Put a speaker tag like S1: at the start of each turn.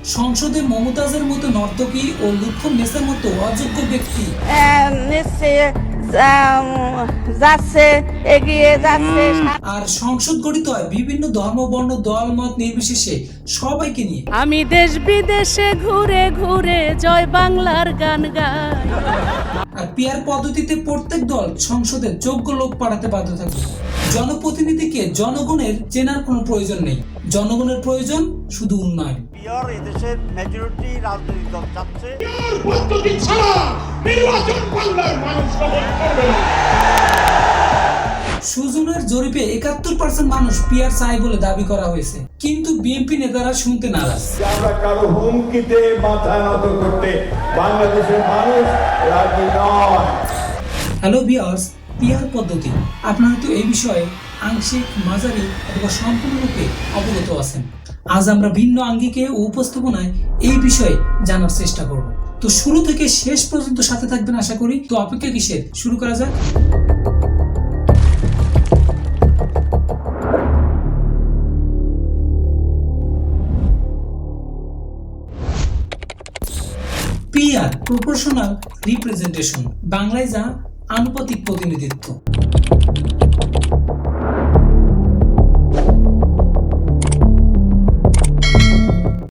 S1: সংসদে মমতাজের মতো নর্তকী ও লুৎফুন্নেছার মতো অযোগ্য ব্যক্তি
S2: যাচ্ছে, এগিয়ে যাচ্ছে।
S1: আর সংসদ গঠিত হয় বিভিন্ন ধর্ম, বর্ণ, দল, মত নির্বিশেষে সবাইকে নিয়ে।
S2: আমি দেশ বিদেশে ঘুরে ঘুরে জয় বাংলার গান গাই।
S1: আর পিআর পদ্ধতিতে প্রত্যেক দল সংসদে যোগ্য লোক পাঠাতে বাধ্য থাকবে। জনপ্রতিনিধিকে জনগণের চেনার কোনো প্রয়োজন নেই, জনগণের প্রয়োজন শুধু উন্নয়ন।
S3: পিআর এদেশের মেজরিটি রাজনৈতিক দল চাচ্ছে।
S4: পদ্ধতি ছাড়া নির্বাচন বাংলার মানুষ গ্রহণ করবে না।
S1: সুজনের জরিপে 71% মানুষ পিআর চাই বলে দাবি করা হয়েছে, কিন্তু বিএনপি নেতারা শুনতে নারাজ।
S5: আমরা কারো হুমকিতে মাথা নত করতে বাংলাদেশের মানুষ রাজি নয়।
S1: হ্যালো ভিউয়ার্স, পিআর পদ্ধতি আপনারা তো এই বিষয়ে আংশিক, মাঝারি অথবা সম্পূর্ণরূপে অবগত আছেন। আজ আমরা ভিন্ন আঙ্গিকে ও উপস্থাপনায় এই বিষয়ে জানার চেষ্টা করব। তো শুরু থেকে শেষ পর্যন্ত সাথে থাকবেন আশা করি। তো অপেক্ষা কিসের, শুরু করা যাক। পিআর প্রপোর্শনাল রিপ্রেজেন্টেশন, বাংলায় যা আনুপাতিক প্রতিনিধিত্ব।